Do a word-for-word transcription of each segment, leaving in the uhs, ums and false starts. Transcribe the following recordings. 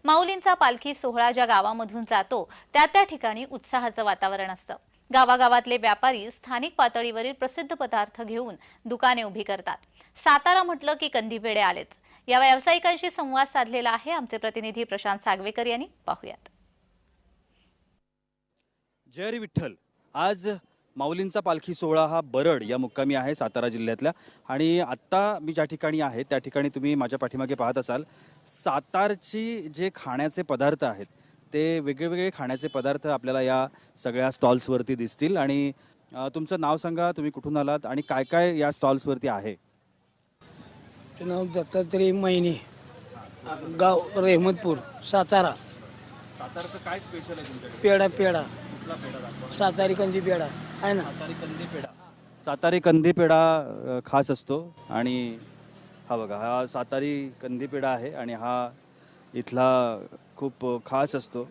माऊलींचा पालखी सोहळा ज्या गावामधून जातो त्या त्या ठिकाणी उत्साहाचं वातावरण असतं। गावागावातले व्यापारी स्थानिक पातळीवरील प्रसिद्ध पदार्थ घेऊन दुकाने उभी करतात। सातारा म्हटलं की कंदी पेढे आलेच। या व्यावसायिकांशी संवाद साधलेला आहे आमचे प्रतिनिधी प्रशांत सागवेकर यांनी। पाहूयात। जय हरी विठ्ठल। आज माऊलींचा पालखी सोहळा हा बरड या मुक्कामी आहे सातारा जिल्ह्यातल्या। आणि आत्ता मी ज्या ठिकाणी आहे त्या ठिकाणी तुम्ही माझ्या पाठीमागे पाहत असाल, सातारची जे खाण्याचे पदार्थ आहेत ते वेगवेगळे खाण्याचे पदार्थ आपल्याला या सगळ्या स्टॉल्सवरती दिसतील। आणि अ, तुमचं नाव सांगा, तुम्ही कुठून आलात आणि काय काय या स्टॉल्सवरती आहे? नाव दत्तात्रय महिने, गाव रेहमतपूर, सातारा। सातारचं काय स्पेशल आहे तुमच्याकडे? पेढा पेढा कुठला पेढा दाखवा? सातारी कंदी पेढा आहे ना। सातारी कंदी पेढा। सातारी कंदी पेढा अ, खास असतो। आणि हा बघा, हा सातारी कंदी पेढा आहे आणि हा इथला खूप खास असतो।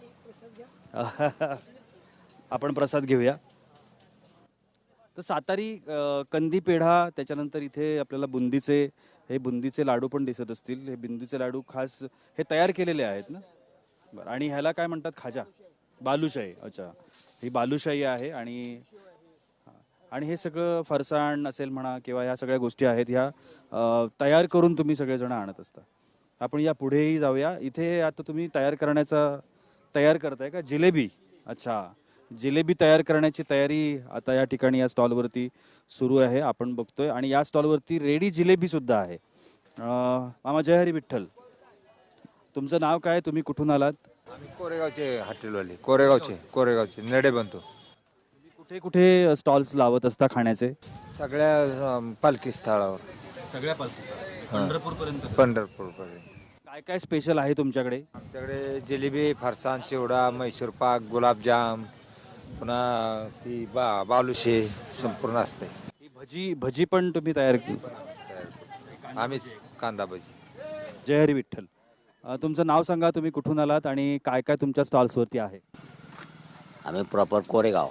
आपण प्रसाद घेऊया। तर सातारी अ, कंदी पेढा, त्याच्यानंतर इथे आपल्याला बुंदीचे हे बुंदीचे लाडू पण दिसत असतील। हे बुंदीचे लाडू खास हे तयार केलेले आहेत ना? बरं। आणि ह्याला काय म्हणतात? खाजा, बालुशाही। अच्छा, ही बालुशाही आहे। आणि आणि हे सगळं फरसाण असेल म्हणा किंवा ह्या सगळ्या गोष्टी आहेत, ह्या अ, तयार करून तुम्ही सगळेजण आणत असता। आपण या पुढेही जाऊया। इथे आता तुम्ही तयार करण्याचा तयार करताय का? जिलेबी। अच्छा, जिलेबी तयार करण्याची तयारी आता या ठिकाणी या स्टॉलवरती सुरू आहे, आपण बघतोय। आणि या स्टॉलवरती रेडी जिलेबी सुद्धा आहे। अ, मामा जय हरी विठ्ठल। तुमचं नाव काय? तुम्ही कुठून आलात? आम्ही कोरेगावचे हॉटेलवाले, कोरेगावचे कोरेगावचे नडे बनतो। कुठे कुठे स्टॉल्स लावत असता खाण्याचे? सगळ्या अं, पालखी स्थळावर, सगळ्या पंढरपूर पर्यंत। पंढरपूर पर्यंत। काय काय स्पेशल आहे तुमच्याकडे? आमच्याकडे जिलेबी, फरसाण, चिवडा, मैसूर पाक, गुलाबजाम, पुन्हा ती बा बालुशे संपूर्ण असते। ही भजी भजी पण तुम्ही तयार केली? आम्हीच कांदा भजी। जय हरी विठ्ठल। अ, तुमचं नाव सांगा, तुम्ही कुठून आलात आणि काय काय तुमच्या स्टॉल्सवरती आहे? आम्ही प्रॉपर कोरेगाव,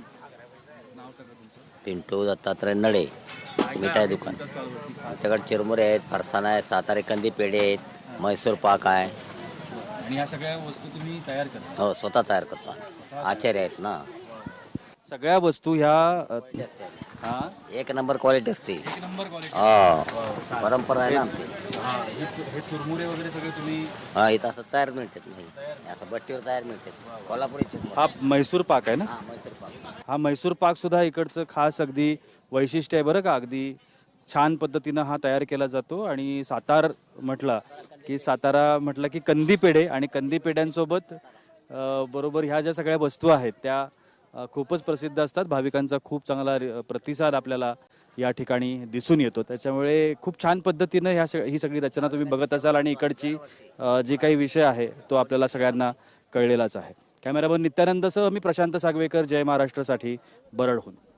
पिंटू दत्तात्रय नडे, मिठाई दुकान। आमच्याकडे चिरमुरे आहेत, फरसाण आहे, सातारी कंदी पेढे आहेत, मैसूर पाक आहे। आणि ह्या सगळ्या वस्तू तुम्ही तयार करता? हो, स्वतः तयार करतो आम्ही। आचार्य आहेत ना। सगळ्या वस्तू ह्या अ, हा एक नंबर क्वालिटी असते। एक नंबर क्वालिटी। हो, परंपरा आहे ना आमची। हा, हे चु- हे चुरमुरे वगैरे सगळे तुम्ही? हा, इथं असं तयार मिळतात नाही, असं बट्टीवर तयार मिळतात। कोल्हापुरी चिरमुरे। हा म्हैसूर पाक आहे ना? हा, मैसूर पाक। हा म्हैसूर पाक सुद्धा इकडचं खास अगदी वैशिष्ट्य आहे बरं का। अगदी छान पद्धतीनं हा तयार केला जातो। आणि सातार म्हटलं की सातारा म्हटलं की कंदी पेढे, आणि कंदी पेढ्यांसोबत अ, बरोबर ह्या ज्या सगळ्या वस्तू आहेत त्या अ, खूपच प्रसिद्ध असतात। भाविकांचा खूप चांगला रि- प्रतिसाद आपल्याला या ठिकाणी दिसून येतो। त्याच्यामुळे खूप छान पद्धतीनं ह्या सग ही सगळी रचना तुम्ही बघत असाल। आणि इकडची अ, जी काही विषय आहे तो आपल्याला सगळ्यांना कळलेलाच आहे। कॅमेरामन नित्यानंदसह मी प्रशांत सागवेकर, जय महाराष्ट्रसाठी बरडहून।